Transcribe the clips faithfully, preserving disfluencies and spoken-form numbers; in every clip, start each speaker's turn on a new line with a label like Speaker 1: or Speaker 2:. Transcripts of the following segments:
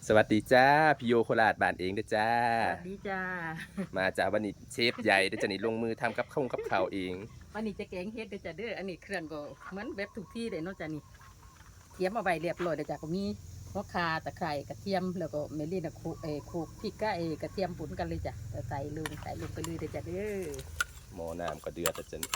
Speaker 1: สวัสดีจ้าพี่โยโคราชบ้านเองเด้อจ้า
Speaker 2: สวัสดีจ้า
Speaker 1: มาจ้าวันนี้เชฟใหญ่เด้อจ้านี่ลงมือทำกับข้าวกับข้าวเอง
Speaker 2: วันนี้จะแกงเฮ็ดเด้อจ้าเด้ออันนี้เครื่องก็เหมือนแบบทุกที่เลยเนาะจ้านี่เตรียมเอาไว้เรียบร้อยเด้อจ้าก็มีหัวข่าตะไคร้กระเทียมแล้วก็เมลี่นะโคเออโคกพริกกะเอกระเทียมปุ่นกันเลยจ้ะใส่ลงใส่ลงไปเลยเด้อจ้าเด้อ
Speaker 1: หม้อน้ำก็เดือดเด้อจ้านี่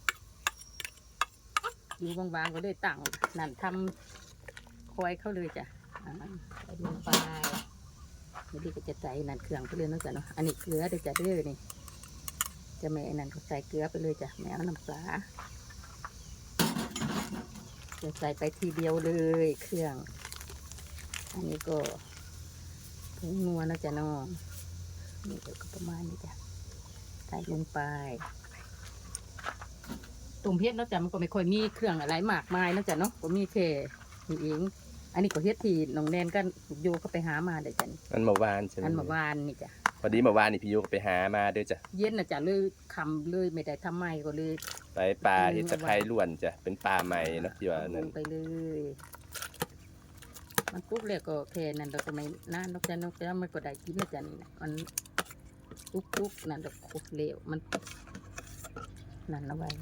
Speaker 2: อยู่วางๆก็เลยตั้งนั่นทำคอยเข้าเลยจ้ะอ่าใส่ลงไปเมลี่ก็จะใส่นั่นเครื่องไปเลยเนาะจ้ะเนาะอันนี้เกลือเด้อจ้าเด้อนี่จะแม่นั่นก็ใส่เกลือไปเลยจ้ะแม่เอาน้ำปลา จะใส่ไปทีเดียวเลยเครื่อง อันนี้ก็ผงนัวนะจ๊ะน้องนี่ก็ประมาณนี้จ้ะใส่ลงไปตุ่มเฮ็ดเนาะจ๊ะมันก็ไม่ค่อยมีเครื่องอะไรมากมายเนาะจ๊ะเนาะก็มีแค่นี่เองอันนี้ก็เฮ็ดที่น้องแนนก็โยก็ไปหามาเด้อจ้ะนี่
Speaker 1: อันเมื่อวานใช่ไหม
Speaker 2: อันเมื่อวานนี่จ้ะ
Speaker 1: พอดีเมื่อวานนี่พี่โยก็ไปหามาเด้อจ้ะ
Speaker 2: เย็นนะจ๊ะเลยคำเลยไม่ได้ทำไมก็เลย
Speaker 1: ไปปลาเห็ดตะไคร้ล้วนจ้ะเป็นปลาใหม่เนาะที่ว่า
Speaker 2: ล
Speaker 1: นั่น
Speaker 2: งไปเลยมันปุ๊บเลยก็แค่นั้นเราก็ไม่นานนกจ้ะนกจ้ะมันก็ได้กินนะจ๊ะนี่มันปุ๊บๆนั่นเราโคตรเลวมันนั่นเอาไว้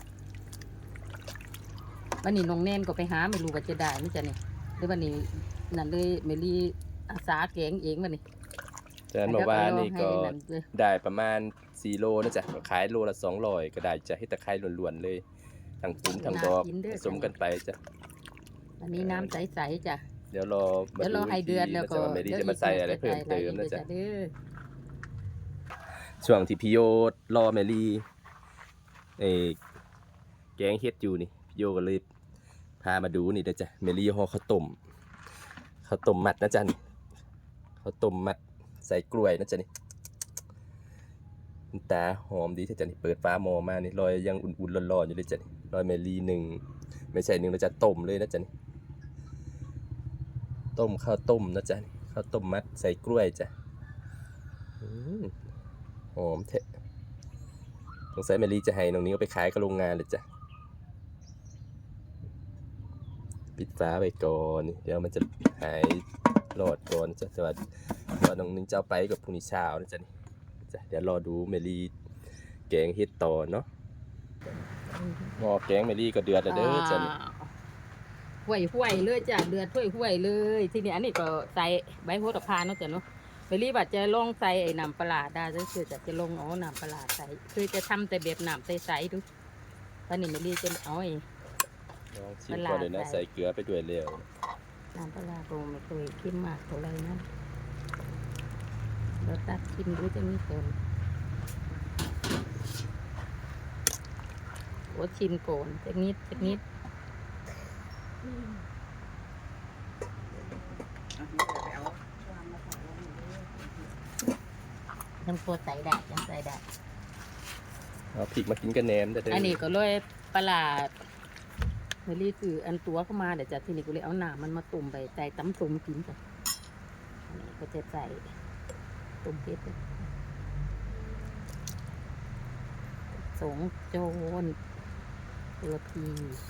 Speaker 2: วันนี้น้องแน่นก็ไปหาไม่รู้ว่าจะได้ไหมจ๊ะนี่หรือวันนี้นั่นเลยเมลี่อาสาแกงเองวันนี้
Speaker 1: จ้ะเมื่อวานนี่ก็ได้ประมาณสี่โลนะจ้ะขายโลละสองร้อยก็ได้จะเห็ดตะไคร้ล้วนๆเลยทั้งตุ๋นทั้งดอกผสมกันไปจ้ะ
Speaker 2: อันนี้น้ำใสๆจ้ะ
Speaker 1: เดี๋ยวรอ
Speaker 2: เดี๋ยวรอให้เดือดแล้วก็
Speaker 1: ไม่ได้จะมาใส่อะไรเพิ่มเติมนะจ๊ะ
Speaker 2: เด้อ
Speaker 1: ช่วงที่พี่โยรอแมรี่เอแกงเฮ็ดอยู่นี่พี่โยก็เลยพามาดูนี่นะจ๊ะแมรี่ห่อข้าวต้มข้าวต้มมัดนะจ๊ะนี่ข้าวต้มมัดใส่กล้วยนะจ๊ะนี่ตาหอมดีที่จ๊ะนี่เปิดฟ้าหม้อมานี่ลอยยังอุ่นๆร้อนๆอยู่เลยจ๊ะนี่ลอยแมรี่หนึ่งไม่ใช่หนึ่งนะจ๊ะต้มเลยนะจ๊ะนี่ต้มข้าวต้มนะจ๊ะข้าวต้มมัดใส่กล้วยจ้ะหอมเทะสงสัยแมรี่จะให้น้องนี้เอาไปขายกับโรงงานเลยจ้ะปิดฝาไปก่อนเดี๋ยวมันจะหายรอดก่อนจ้ะสวัสดีว่าน้องนิ้งจะเอาไปกับพรุ่งนี้เช้านะจ๊ะนี่จ้ะเดี๋ยวรอดูแมรี่แกงเฮ็ดต่อเนาะหม้อแกงแมรี่ก็เดือดแล้วเด้อจ้ะนี่
Speaker 2: ห่วยห่วยเลยจ้ะเดือดห่วยห่วยเลยทีนี้อันนี้ก็ใส่ใบโหระพาเนาะจ้ะเนาะเมลี่ว่าจะลองใส่ไอ้น้ำปลาได้ก็คือจะจะลงเอาน้ำปลาใส่คือจะทำแต่แบบน้ำใสๆดูตอนนี้เมลี่จะเอาไอ้
Speaker 1: ลองชิมก่อนเลยนะใส่เกลือไปด้วยเร็ว
Speaker 2: น้ำปลาโรไม่เคยกินมากเท่าไรนะเราตัดกินดูจะมีผลโอ้ชิมโกนจะนิดจะนิดน้ำโคใส่ได้ยังใส่ได้
Speaker 1: เอาพริกมากินกับแหนมเด้อ
Speaker 2: อันนี้ก็เลยปลาเมลี่คืออันตัวเข้ามาเดี๋ยวจะทีนี้ก็เลยเอาหนามันมาตุ่มไปใส่ตำตุ่มกินจ้ะอันนี้ก็จะใส่ตุ่มเพชรสงโจนตัวพี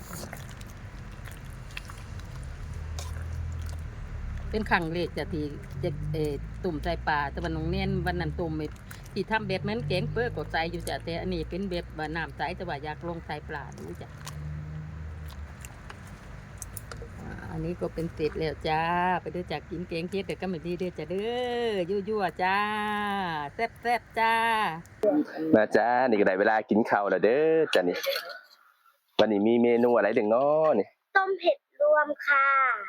Speaker 2: เป็นขังเล็กจะทีจะเอตุ่มใส่ปลาแต่วันน้องเนียนวันนั้นตุ่มที่ทำแบบนั้นแกงเปื้อกดใส่อยู่จ้ะแต่อันนี้เป็นแบบว่าน้ำใสแต่ว่าอยากลงใส่ปลาดูจ้ะอันนี้ก็เป็นเสร็จแล้วจ้าไปเด้อจากกินแกงเฮ็ดเด็กก็ไม่ดีเด้อจ้าเด้อยั่วๆจ้าแซ่บๆจ้า
Speaker 1: มาจ้านี่ก็ได้เวลากินข้าวแล้วเด้อจ้ะนี่วันนี้มีเมนูอะไรเด็กน้อนี่
Speaker 3: ต้มเผ็ดรวมค่ะ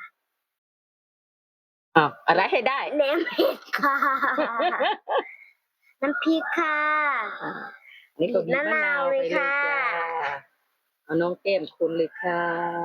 Speaker 2: อ้าวอะไรให้ได้
Speaker 3: แหนมเผ็ดค่ะน้ำพริกค่ะ
Speaker 2: นี่ก็มีมะนาวเลยค่ะเอาน้องแก้มคุณเลยค่ะ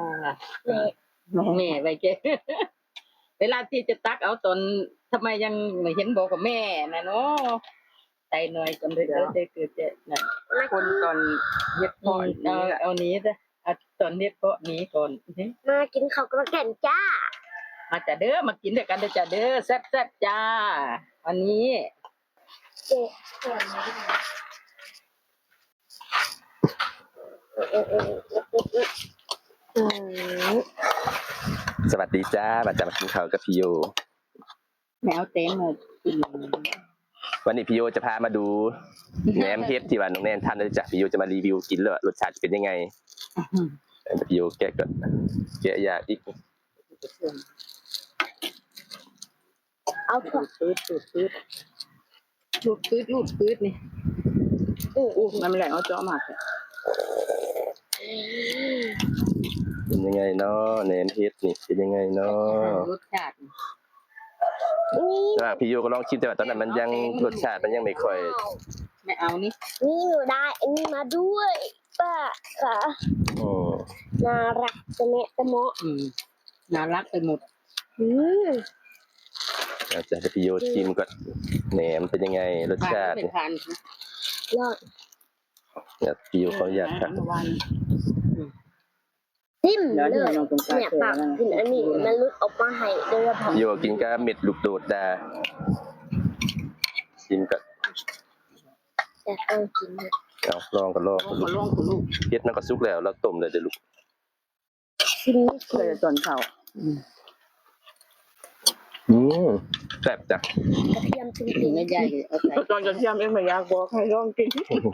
Speaker 2: แม่ไปเจ๊เวลาที่จะตักเอาตอนทำไมยังไม่เห็นบอกกับแม่นะเนาะใจหน่อยจนได้เกิดได้เกิดเจ๊นะคนตอนเย็ดพอเอาเอานี้จ้ะตอนเย็ดเพาะนี้ก่อน
Speaker 3: มากินข้าวกระแก่นจ้า
Speaker 2: มาจ้ะเด้อมากินด้วยกันเด้อจ้ะเด้อแซ่บๆจ้าวันนี้
Speaker 3: เจ๊
Speaker 1: สวัสดีจ้ามาจากมากินข้าวกับพี่โย
Speaker 2: แมวเต็มเลยกิน
Speaker 1: วันนี้พี่โยจะพามาดูแหนมเฮ็ดที่ว่าน้องแนนทำเลยจ้ะพี่โยจะมารีวิวกินเลยว่ารสชาติจะเป็นยังไงพี่โยแกะก่อนแกะยากอีก
Speaker 3: เอาเถอะ
Speaker 2: ปืดปืดปืดลูดปืดลูดปืดนี่
Speaker 3: อือ
Speaker 2: อู้มันไม่แหลงเอาเจาะมาเลย
Speaker 1: เป็นยังไงเนาะแหนมเฮ็ดนี่เป็นยังไงเนาะ
Speaker 2: รสชาติ
Speaker 3: นี่
Speaker 1: แต่ว่าพี่โยก็ลองชิมแต่ว่าตอนนั้นมันยังรสชาติมันยังไม่ค่อย
Speaker 2: ไม่เอานี่
Speaker 3: นี่หนูได้อันนี้มาด้วยป้าค่ะ
Speaker 1: อืม
Speaker 3: น่ารักจะเนะจะเมาะ
Speaker 2: อืมน่ารักไปหมด
Speaker 3: อืม
Speaker 1: อาจจะให้พี่โยชิมก่อนแหนมเป็นยังไงรสชาติ
Speaker 2: เป็นทาน
Speaker 3: ยอด
Speaker 1: เนี่ยพี่โยเขาอยากทำ
Speaker 2: เมื่อวาน
Speaker 3: จิ้มเลยเนี่ยปากกินอันนี้มันลุกออกมาให้โดยเฉพาะ
Speaker 1: พี่โยกินก็เม็ดลูกโดดดาชิมก่อน
Speaker 3: แต่ต้องกินเนี่ย
Speaker 1: เอาลองกันลอง
Speaker 2: โอ้มาลองคุณลูก
Speaker 1: เฮ็ดมันก็สุกแล้วแล้วต้มเลยเดี๋ยวลูก
Speaker 3: กินนี่
Speaker 2: เคยตอนเช้า
Speaker 1: อืมแซ่บจ้ะ
Speaker 3: กระเทียมจริ
Speaker 2: ถึ
Speaker 3: ง
Speaker 2: งไม่ใหญ่เอาใส่
Speaker 4: ตอนจะเที่ยงเองไม่อยากบอกให้ลองกิน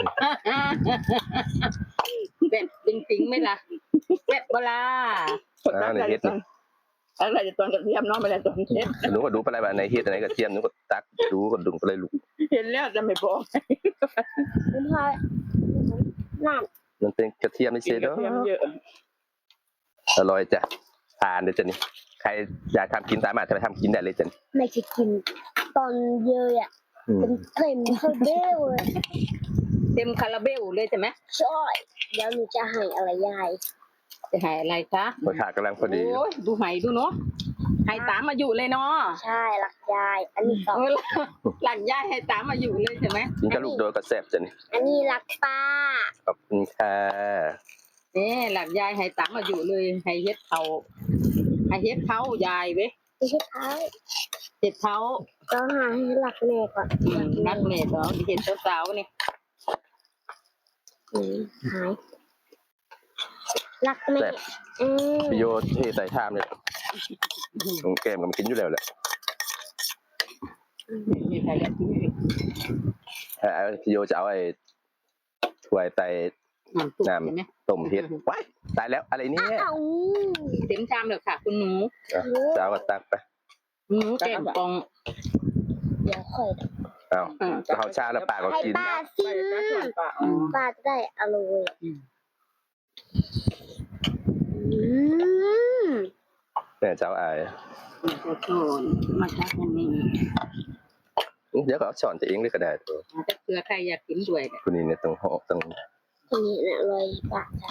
Speaker 2: แบบจริงๆไหมล่ะแบบเวลา
Speaker 1: อ่าในเฮ็ดนี่
Speaker 4: อะไรจะตอนจะเที่ยงเนาะไม่ได้ตอนเที่ยง
Speaker 1: หนูก็ดูไปอะไรบ้างในเฮ็ดอันไหนกระเทียมหนูก็ตักดูก็ดุงไปเลยลูก
Speaker 4: เห็นแล้วจะไม่บอก
Speaker 3: ๆคุณพ่อนั่น
Speaker 1: มันเป็นกระเทียมไม่
Speaker 4: กิ
Speaker 1: ใช่
Speaker 4: นก
Speaker 1: เด้
Speaker 4: ระเทียม
Speaker 1: อ
Speaker 4: เยอะ
Speaker 1: อร่อยจ้ะทานเลยจ้ะนี่ใครอยากทำกินสามารถจะไปทำกินได้เลยจ้ะนี่
Speaker 3: ไม่ใช่กินตอนเยอะอ่ะ
Speaker 1: อืม
Speaker 3: เป็นเต็มเท่าเบ้วเลย
Speaker 2: เต็มคาราเบลเลยใช่ไหม
Speaker 3: ช่อยเดี๋ยวหนูจะให้อะไรยาย
Speaker 2: จะหายอะไรคะ
Speaker 1: รสชาติกำลังพอดี
Speaker 2: โอ้ยดูไหดูเนาะให้ตามมาอยู่เลยเนาะ
Speaker 3: ใช่รักยาย อันนี้สอง
Speaker 2: เออหลังย่ายให้ตามมาอยู่เลยใช่ไหม
Speaker 1: กินกับลูกโดดก็แซ่บจ้ะนี่
Speaker 3: อันนี้รักป้า
Speaker 1: ขอบคุณค่ะ
Speaker 2: นี่หลังยายให้ตามมาอยู่เลยให้เฮ็ดเขาให้เฮ็ดเขายายเว้ย
Speaker 3: ไม่ใช่เขา
Speaker 2: เฮ็ดเขา
Speaker 3: ต้องหาให้รักแม่ก่อน
Speaker 2: อืมนักเมดเนาะเห็นสาวๆนี่
Speaker 3: อืมหายรักแม่อืม
Speaker 1: พี่โยเทใส่ชามเลยตรงแก้มก็มากินอยู่แล้วแหละ
Speaker 2: มีใครอยากกินอีก
Speaker 1: เอ่อพี่โยจะเอาไอ้ถ้วยไต
Speaker 2: น้ำซุปใช่ไหม
Speaker 1: ต้มเฮ็ดว้ายตายแล้วอะไรเนี่ย
Speaker 3: เอ้า
Speaker 2: เต็มชามเลยค่ะ คุณหนู
Speaker 1: อ่ะจะเอาก็ตักไป
Speaker 2: หนูแกงปอง
Speaker 3: เดี๋ยวค่อย
Speaker 1: เอา
Speaker 2: อ่า
Speaker 1: เขาชาแล้วปากก็
Speaker 3: ให้
Speaker 1: กิน
Speaker 3: ป้า
Speaker 4: ไป
Speaker 3: ซิ
Speaker 4: นะส่วนปะ
Speaker 2: อืม
Speaker 3: ป้าจะได้อร่อยอืม
Speaker 1: เนี่ยเจ้าอาย
Speaker 2: จะโซนมาจากอันนี้
Speaker 1: เดี๋ยวก็เอาช้อนจะเองเลยก็ได้ตัว
Speaker 2: มาจากเกลือใครอยากกินด้วยเนี่ย
Speaker 1: คุณนี่เนี่ยต้องห่อต้อง
Speaker 3: คนนี้น่ะอร่อยป้าจ้ะ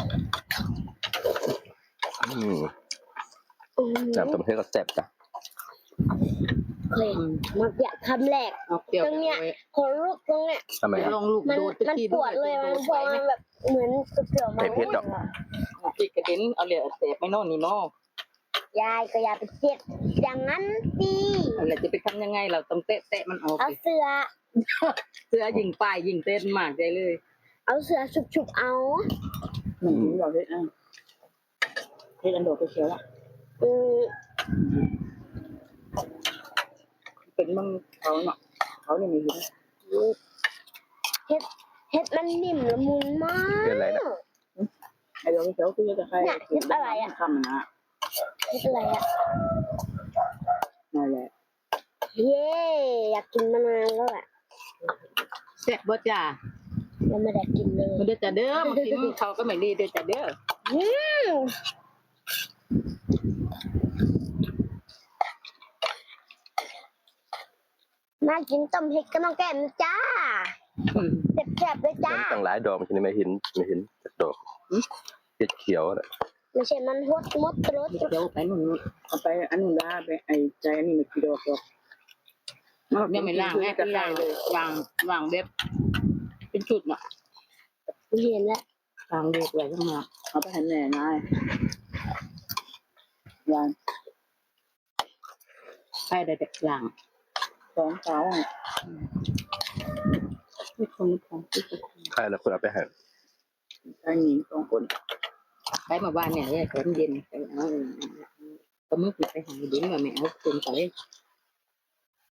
Speaker 1: อืม
Speaker 3: อืม
Speaker 1: น้ำต้มเฮ็ดก็แซ่บจ้ะ
Speaker 3: เคยมันอยากคำแรก
Speaker 2: เอาเปรี้ยว
Speaker 3: ตรงเนี้ย คนลุกตรงเนี้ย
Speaker 1: ทำไม
Speaker 2: ไป
Speaker 1: ครับ
Speaker 2: ลองลูก
Speaker 3: มัน
Speaker 2: โดด
Speaker 3: มันปวดเลยมันพอมันแบบเหมือนเปรี้ยวๆมัน
Speaker 1: เผ็ดๆดอก
Speaker 2: จิกกระเด็นเอาเหลือเสพไม่โน่นนี่เนาะ
Speaker 3: ยายก็อย่าไปเจ็บอย่างนั้นสิ
Speaker 2: อะไรจะไปทำยังไงเราต้องเตะเตะมันออก
Speaker 3: เอา
Speaker 2: สิ
Speaker 3: เสือ
Speaker 2: เสื้อยิงป้ายยิงเต้นมากใจเลย
Speaker 3: เอาเสือฉุบๆเอา
Speaker 4: หนึ่งถึงเราเฮ็ดอ่ะเฮ็ดอันโดดไปเชียวละ
Speaker 3: อืม
Speaker 4: เป็นมึงเขาเนาะเขานี่มีอยู่
Speaker 3: เฮ็ดเฮ็ดมันนิ่มละมุนมาก
Speaker 1: เป็นอะไรนะ
Speaker 4: ไอ้โดดไปเชียวคือจะใครคำนะ
Speaker 3: เฮ็ดอะไรอ่ะ
Speaker 4: นั่นแหละ
Speaker 3: เย้อยากกินมานานแล้วแหละ
Speaker 2: แซ่บบ่จ้า
Speaker 3: ยังไม่ได้กินเลย
Speaker 2: มันเด้อจ้าเด้อมากินเขาก็ไม่ดีเด้อจ้าเด้อ
Speaker 3: อืมมากินต้มเห็ดกับน้องแก้มนะจ้า
Speaker 2: อืม
Speaker 3: แซ่บๆเลยจ้า
Speaker 1: มันตั้งหลายดอกมันจะไม่เห็นไม่เห็นจักดอกเฮ็ดเขียวน่ะ
Speaker 3: ไม่ใช่มันหดมดรส
Speaker 2: เดี๋ยวไปนู่นนู่น
Speaker 4: เอาไปอันนู้นได้ไปไอ้ใจอันนี้ไม่กี่ดอกหรอก
Speaker 2: ยังไม่ล้างแม่เป็นล้างเลยล้างล้างแบบเป็นจุดน่ะ
Speaker 3: เห็นแล้ว
Speaker 2: ล้างเด็กไว้ข้างนอก
Speaker 4: เอาไปให้แม่นายวัน
Speaker 2: ไปได้แต่ล้าง
Speaker 4: สองสาว
Speaker 2: ไม่คนไม่คนไม่คน
Speaker 1: ใครแล้วคุณเอาไปให้
Speaker 4: ชายหญิงสองคน
Speaker 2: ไปมาบ้านเนี่ยเนี่ยตอนเย็นไปเอาก็มึงไปหาดินว่าแม่เอาคนไป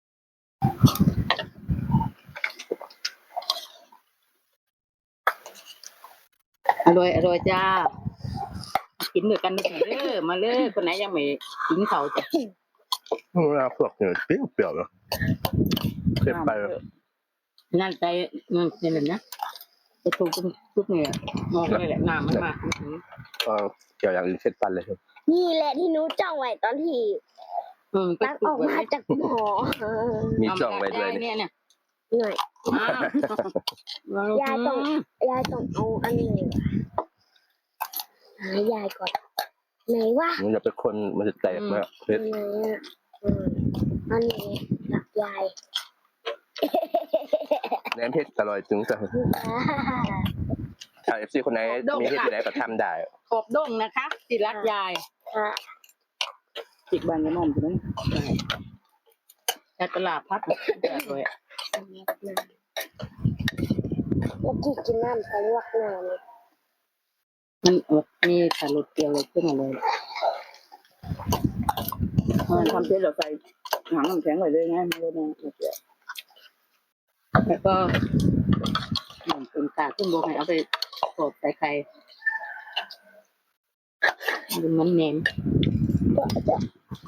Speaker 2: อร่อยอร่อยจ้ากินด้วยกันเด้อมาเลยคนไหนยังไม่กินเขาจ้ะ
Speaker 1: เวลาพวกเนี่ยเปรี้ยวเปรี้ยวเนาะเผ็ดไป
Speaker 2: นั่นใจนั่นเป็นนะจะถูกทุกเนี่ยมองเลยแหละน้ำมันมา
Speaker 1: เออเกี่ยวอย่างอื่นเผ็ดปันเลยครับ
Speaker 3: นี่แหละที่หนูจ้องไว้ตอนที่
Speaker 2: อืม
Speaker 3: ตักออกมาจากหม้อ
Speaker 1: มีจ่องไว้ด้วย
Speaker 2: เนี่ยเนี่ย
Speaker 3: หน่อย
Speaker 2: อ้าวย
Speaker 3: ายต้องยายต้องเอาอันไหนวะหายายก่อนไหนวะ
Speaker 1: มันจะเป็นคนมันจะแตกมากเผ็ด
Speaker 3: ไหนอ่ะอืมอันนี้หลักยาย
Speaker 1: แหนมเผ็ดอร่อยจึงจะถ้าเอฟซีคนไหนมีเผ็ดที่ไหนก็ทำได้
Speaker 2: ขอบด้งนะคะจิรักยาย
Speaker 3: ค่ะ
Speaker 4: จิกบานกระหม่อมใช่ไหม
Speaker 2: แต่ตลาดพัดเดือดเลย
Speaker 3: เมื่อกี้กินน้ำทะลวกหน้าเลย
Speaker 2: มันอดมีสาลุดเกลียวเลยขึ้นมาเลย
Speaker 4: มันทำเสร็จเราใส่หางน้ำแข็งไว้เลยไงไม่ได้นะเดี๋ยว
Speaker 2: แล้วก็หนึ่งเป็นกาขึ้นบกให้เอาไปกดใส่ไข่มันมันเน้น
Speaker 3: จะจะ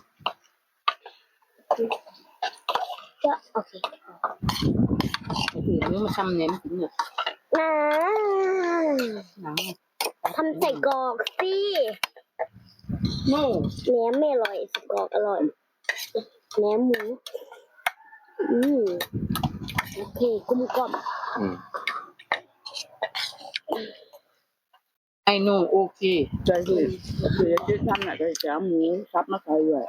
Speaker 3: จะโอเค
Speaker 2: ไอ้ที่นี้มาทำเน้นถึงเนี่ย
Speaker 3: น้า
Speaker 2: หนัง
Speaker 3: ทำใส่กรอกสิ
Speaker 2: โน่
Speaker 3: แหนมไม่อร่อยใส่กรอกอร่อยแหนมหมูอืมโอเคกลมกล่อม
Speaker 1: อืม
Speaker 2: ไอ้โน่โอเค
Speaker 4: ใจคือคือจะทำน่ะจะจะหมูซับมาใส่ด้วย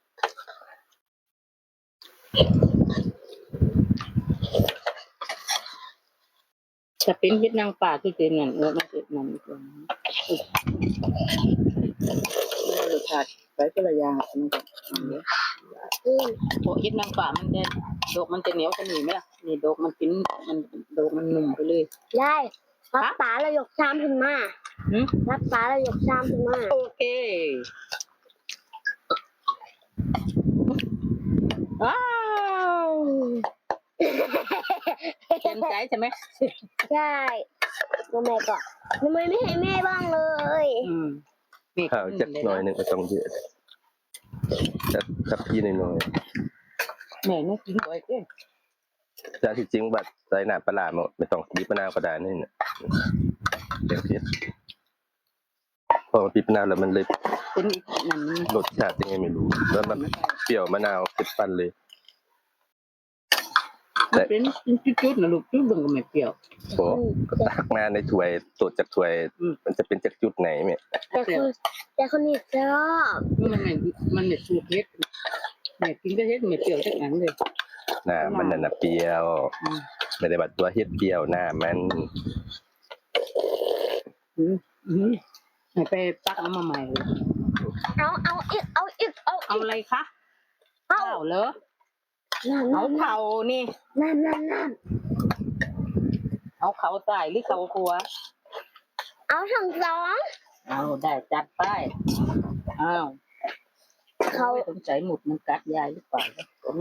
Speaker 2: จะเป็นเวียดนามป่าที่เป็นนั่นเออมันเป็นนั่นก่อน
Speaker 4: ไม่รสชาติไปคนละอย่างมันก็
Speaker 3: อืม
Speaker 2: โอ้เวียดนามป่ามันจะดอกมันจะเหนียวกว่านี้ไหมล่ะนี่ดอกมันกินมันดอกมันนุ่มไปเลย
Speaker 3: ได้รับตาแล้วยกชามขึ้นมา
Speaker 2: หืม
Speaker 3: รับตาแล้วยกชามขึ้นมา
Speaker 2: โอเคว้าวเต็มใจใช่ไหม
Speaker 3: ใช่ทำไมก่อนทำไมไม่ให้แม่บ้างเลย
Speaker 2: อืมนี่
Speaker 1: ข้าวจักหน่อยหนึงก็ต้องเยอะจับจับพี่หน่อย
Speaker 2: แม่นี่กินบ่อยเกิน
Speaker 1: ๆแต่ที่จริงบัดใส่หน้าปลาร้ามาไม่ต้องบีบมะนาวก็ได้นี่น่ะเดี๋ยวเผ็ดพอบีบมะนาวแล้วมันเลย
Speaker 2: เป็นอีกนั่น
Speaker 1: รสชาติยังไงไม่รู้แล้วมันเปรี้ยวมะนาวเผ็ดปันเลย
Speaker 2: มันเป็นจุดๆนะลูกจุดเบิ่งก็ไม่เปรี้ยว
Speaker 1: โอ้ก็ตักมาในถ้วยตรวจจากถ้วย
Speaker 2: อืม
Speaker 1: มันจะเป็นจากจุดไหนเนี่ย
Speaker 3: แต่คนแต่คนนี้ชอบ
Speaker 2: มันไม่มันไม่สูตรเฮ็ดแม่กินก็เฮ็ดไม่เปรี้ยวจักอันเลย
Speaker 1: หน้ามันน่ะนะเปรี้ยว
Speaker 2: อืม
Speaker 1: ไม่ได้บัดตัวเฮ็ดเปรี้ยวหน้ามัน
Speaker 2: อืมอืมให้ไปตักเอามาใหม่เลย
Speaker 3: เอาเอาอีกเอาอีกเอา
Speaker 2: เอา
Speaker 3: อีก
Speaker 2: อะไรคะ
Speaker 3: เอา
Speaker 2: ข้าวเหรอ
Speaker 3: น้ำ
Speaker 2: เอา
Speaker 3: น้ำ
Speaker 2: เผานี่
Speaker 3: น้ำน้ำน้
Speaker 2: เอาเขาใส่หรือเขาครัว
Speaker 3: ำเอาทั้งสอง
Speaker 2: เอาได้จัดไปอ้าว
Speaker 3: เขา
Speaker 2: สงสัยหมุดมันกัดยายหรือเปล่า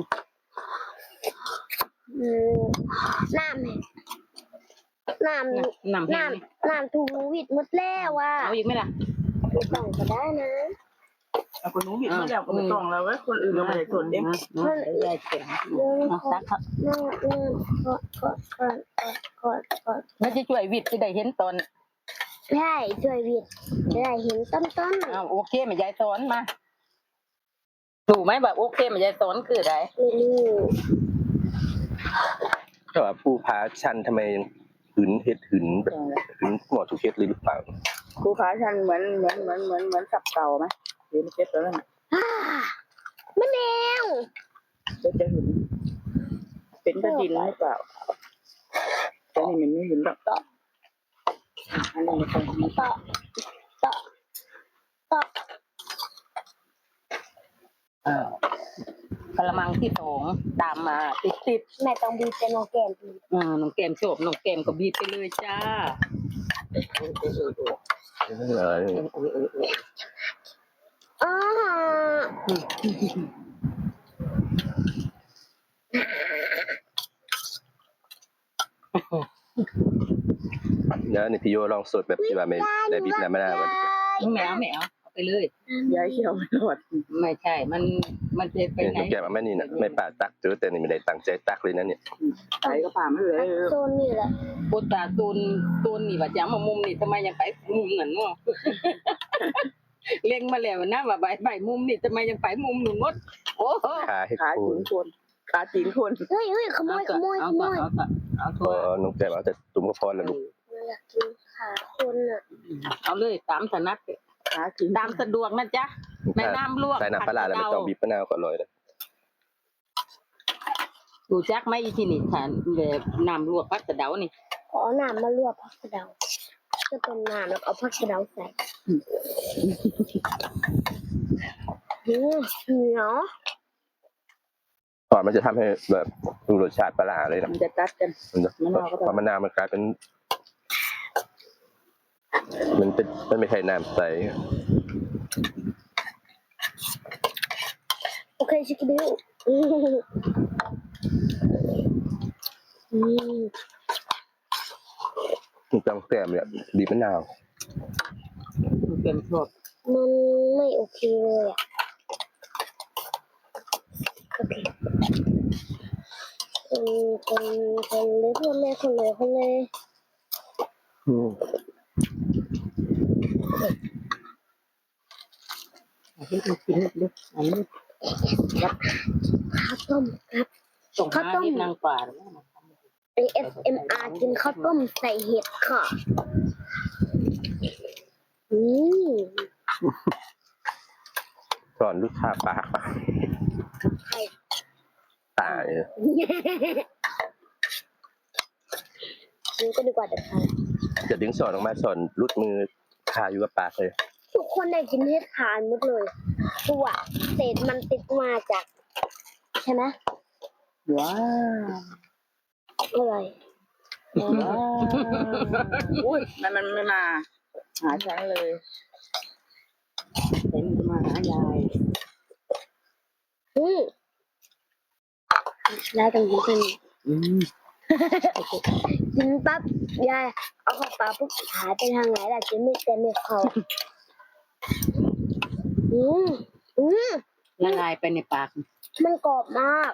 Speaker 3: อืมน้ำน้ำ
Speaker 2: น้ำแห้ง
Speaker 3: น้ำน้ำถูวิดหมดแล้วว่ะ
Speaker 2: เอาอีกไหมล่ะ
Speaker 3: ไม่ต้องก็ได้นะ
Speaker 4: เอาคนนู้นผิดมาแล้วก็ไม่ต้องแล้วเว้ยคนอื่นก็ไม่ได้สนเอง
Speaker 2: ยายแข็งเอาซักครับ
Speaker 3: น้ำน้ำกดกดกดกดกด
Speaker 2: แล้วจะช่วยวิทย์จะได้เห็นตอน
Speaker 3: ใช่ช่วยวิดจะได้เห็นต้นต้น
Speaker 2: อ้าวโอเคแม่ยายสอนมาถูกไหมแบบโอเคแม่ยายสอนคืออะไร
Speaker 3: ไม่รู้
Speaker 1: ก็ว่าปูผาชันทำไมหืนเฮ็ดหืนแบบหืนหมดทุกเฮ็ดเลยหรือเปล่า
Speaker 4: ครูขาชันเหมือนเหมือนเหมือนเหมือนเหมือนสับเต่าไหมหรือไม่เก็ตตัวนั้นน่ะ
Speaker 3: อ่ามันแนว
Speaker 4: เดี๋ยวจะเห็นเป็นกระดินหรือเปล่าแต่นี่มันไม่เห็นหรอกต่ออันนี้มันต้องมี
Speaker 3: ต่อต่อต่อ
Speaker 2: เออกระมังที่สองตามมาติดติด
Speaker 3: แม่ต้องบีบเป็นโนแกนบีบ
Speaker 2: ๆอ่าน้องแก้มโฉบน้องแก้มก็บีบไปเลยจ้า
Speaker 1: เออ
Speaker 3: อ๋อ
Speaker 2: อืม
Speaker 1: ดี๋ยวนี่พี่โยลองสดแบบที่ว่าไม่ได้บีบน้ำมะนาวก่อน
Speaker 2: แมวแมวเอาไปเลย
Speaker 4: ยายเขียวไม่รอด
Speaker 2: ไม่ใช่มันมันจะไป
Speaker 1: เนี่ย
Speaker 2: ไหน
Speaker 1: ทุกอย่างมันไม่นี่นะไม่ป่าตักเจอแต่นี่ไม่ได้ตั้งใจตักเลยนะเนี่ย
Speaker 4: ใส่กระป๋าไม่เลย
Speaker 3: โซนนี่แหละ
Speaker 2: โคตาตูนตูนนี่ว่าจะมามุมนี่ทำไมยังไปมุมนั่นเนาะ เล็งมาแล้วนะว่าใบใบมุมนี่ทำไมยังไปมุมหนึ่งมดโอ้โห
Speaker 1: ขาให้
Speaker 4: ขา
Speaker 1: คู
Speaker 4: จีนคนขาจีนคน
Speaker 3: เฮ้ยเฮ้ยขโมยขโมยข
Speaker 2: เอา
Speaker 3: โม
Speaker 2: เอา
Speaker 3: ย
Speaker 2: เอาเอา
Speaker 1: พ
Speaker 2: ทั่ว
Speaker 1: อน้องแก้มเอาแต่ตุ้มก็พอแล้วลูก
Speaker 3: เราอยากกินขาคนอ่ะ
Speaker 2: เอาเลยตามถนัด
Speaker 4: ขาจีน
Speaker 2: ตามสะดวกนะจ๊ะในน้ำลวก
Speaker 1: ใส่น้ำปลาร้าแล้วไม่ต้องบีบมะนาวก็อร่อยแล้ว
Speaker 2: ดูจักไหมอีที่นี่ทานแบบน้ำลวกพักกระเดานี่
Speaker 3: ขอน้ำมาลวกผักกระเดาจะเป็นน้ำแล้วเอาผักกระเดาใส่อืมเหนียว
Speaker 1: ก่อนมันจะทำให้แบบดูรสชาติปลาร้าเลยนะ
Speaker 4: มันจะตัดกัน
Speaker 1: มันจะ
Speaker 4: มะนาวก็ได้
Speaker 1: พอมะนาวมันกลายเป็น มันเป็นมันไม่ใช่น้ำใส
Speaker 3: โอเคชิคกี้พายอืมอืม
Speaker 1: จังแก้มเนี่ยบีบมะนาว
Speaker 2: มันเป็นพวก
Speaker 3: มันไม่โอเคเลยอ่ะโอเคคนคนคนเลยคนเลยคนเลยคนเลย
Speaker 1: อืม
Speaker 2: ที่มันกินเล็กๆอันนี้
Speaker 3: ข้าวต้มครับ
Speaker 2: ส่ง
Speaker 3: ข้าว
Speaker 2: มา
Speaker 3: ต้ม
Speaker 2: นิดนางป่า
Speaker 3: เอ เอส เอ็ม อาร์ กินข้าวต้มใส่เห็ดค่ะอืม
Speaker 1: สอนลูกค้าปากปะ
Speaker 3: ใคร
Speaker 1: ตาย
Speaker 3: กินก็ดีกว่าแต่ค่ะ
Speaker 1: จะดึงสอนออกมาสอนรุดมือคาอยู่กับปากเลย
Speaker 3: ทุกคนได้กินเห็ดทานหมดเลยตัวเศษมันติดมาจากใช่ไหม
Speaker 4: ว้าว
Speaker 3: อร่อย
Speaker 4: ว้าวอุ้ยมันมันไม่มาหาฉันเลย
Speaker 2: เห็นมาหายาย
Speaker 3: อืมยายต้องกินเป็น
Speaker 2: อืม
Speaker 3: กินปั๊บยายเอาเข้าปากปุ๊บหายไปทางไหนล่ะกินไม่เต็มไม่เข้าอืมอืม
Speaker 2: ละลายไปในปาก
Speaker 3: มันกรอบมาก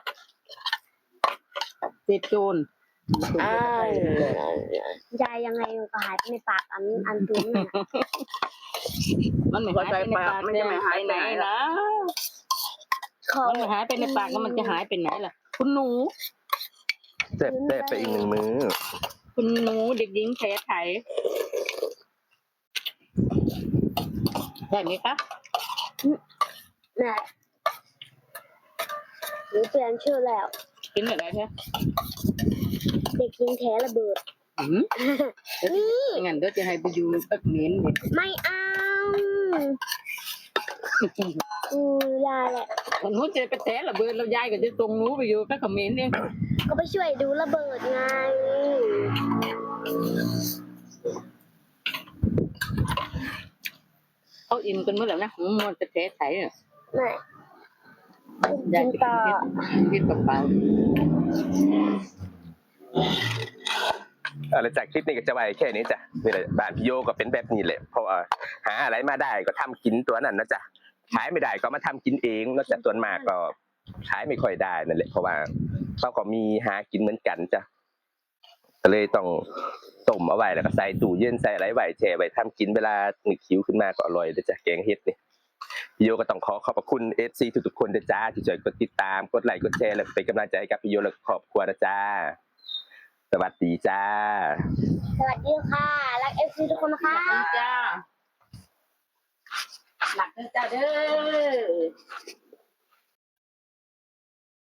Speaker 2: เศษโจน
Speaker 3: อ่ายายยังไงมันก็หายไปในปากอันอันตุ้มน่ะ
Speaker 2: มันไม่หายไปในปากมันจะไม่หายไปไหนล่ะ
Speaker 3: ขอ
Speaker 2: มันไม่หายไปในปากแล้วมันจะหายไปไหนล่ะ คุณหนู
Speaker 1: แซ่บแซ่บไปอีกหนึ่งมือ
Speaker 2: คุณหนูเด็กหญิงแผลไถได้ไหมคะ
Speaker 3: แม่หนูเปลี่ยนชื่อแล้ว
Speaker 2: กินแบบไหนคะ
Speaker 3: เด็กหญิงแท้ระเบิด
Speaker 2: อืมงั้นเดี๋ยวจะให้ไปอยู่สักเม้นเนี่ย
Speaker 3: ไม่เอาอือยายแหละ
Speaker 2: คนนู้นจะไปแถระเบิดแล้วยายก็จะส่งหนูไปอยู่สักเม้นเอง
Speaker 3: ก็ไปช่วยดูระเบิดไง
Speaker 2: เขาอิ่มกันเมื่อไหร่นะมันจะแผลไถอ่ะ
Speaker 3: แม่
Speaker 2: ยา
Speaker 3: กิ
Speaker 2: ย
Speaker 3: น
Speaker 2: จะ
Speaker 3: ต่อ
Speaker 2: กินกระเป๋า
Speaker 1: อะไรจากคลิปนี้ก็จะไว้แค่นี้จ้ะนี่แหละบ้านพี่โยก็เป็นแบบนี้แหละเพราะว่าหาอะไรมาได้ก็ทำกินตัวนั้นนะจ๊ะขายไม่ได้ก็มาทำกินเองนอกจากตัวนมากก็ขายไม่ค่อยได้นั่นแหละเพราะว่าเขาก็มีหากินเหมือนกันจ้ะก็เลยต้องต้มเอาไว้แล้วก็ใส่ตู้เย็นใส่อะไรไว้แช่ไว้ทำกินเวลาหนึกหิวขึ้นมาก็อร่อยเลยจ้ะแกงเห็ดนี่พี่โยก็ต้องขอขอบพระคุณ เอฟ ซี ทุกๆคนนะจ้าที่ช่วยกดติดตามกดไลค์กดแชร์และเป็นกำลังใจให้กับพี่โยและครอบครัวนะจ้าสวัสดีจ้า
Speaker 3: สวัสดีค่ะ รักเอฟซีทุกคนนะคะ
Speaker 2: จ้าหลักเด้อจ้าเด้อ